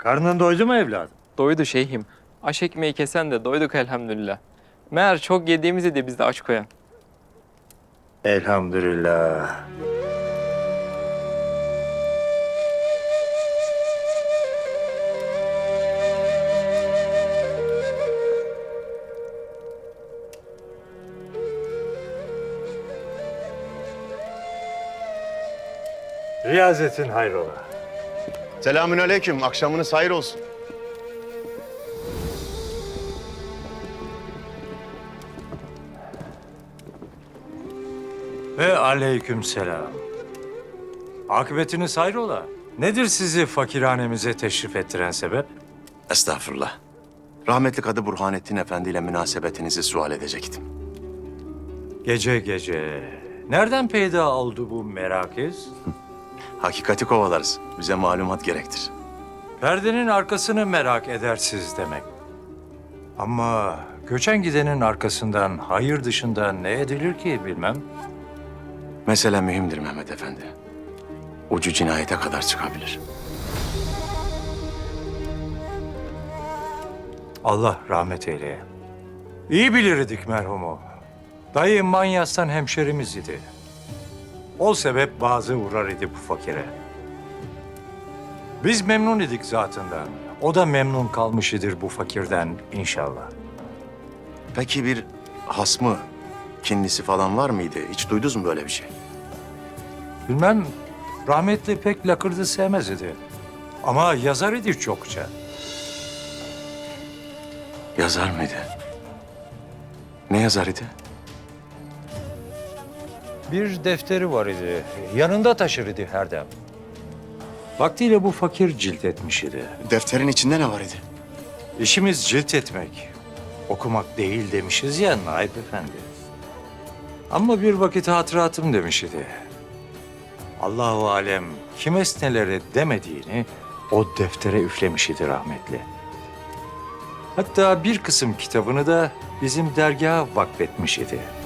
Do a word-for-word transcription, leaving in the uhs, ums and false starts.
Karnın doydu mu evladım? Doydu şeyhim. Aş ekmeği kesen de doyduk elhamdülillah. Meğer çok yediğimizi de bizde aç koyan. Elhamdülillah. Riyazetin hayrola. Selamünaleyküm. Akşamınız hayır olsun. Ve aleyküm selam. Akıbetiniz hayrola. Nedir sizi fakirhanemize teşrif ettiren sebep? Estağfurullah. Rahmetli Kadı Burhanettin Efendi ile münasebetinizi sual edecektim. Gece gece. Nereden peyda oldu bu merakiz? Hakikati kovalarız. Bize malumat gerektir. Perdenin arkasını merak edersiz demek. Ama göçen gidenin arkasından hayır dışında ne edilir ki bilmem. Mesele mühimdir Mehmet Efendi. Ucu cinayete kadar çıkabilir. Allah rahmet eyleye. İyi bilirdik merhumu. Dayı Manyas'tan hemşerimiz idi. O sebep bazı uğrar idi bu fakire. Biz memnun idik zatından. O da memnun kalmış idir bu fakirden inşallah. Peki bir hasmı, kinlisi falan var mıydı? Hiç duydunuz mu böyle bir şey? Bilmem, rahmetli pek lakırdı sevmez idi. Ama yazar idi çokça. Yazar mıydı? Ne yazar idi? Bir defteri var idi. Yanında taşır idi her dem. Vaktiyle bu fakir cilt etmiş idi. Defterin içinde ne var idi? İşimiz cilt etmek, okumak değil demişiz ya Naip Efendi. Ama bir vakit hatıratım demiş idi. Allahu alem kim esnelere demediğini o deftere üflemiş idi rahmetli. Hatta bir kısım kitabını da bizim dergaha vakfetmiş idi.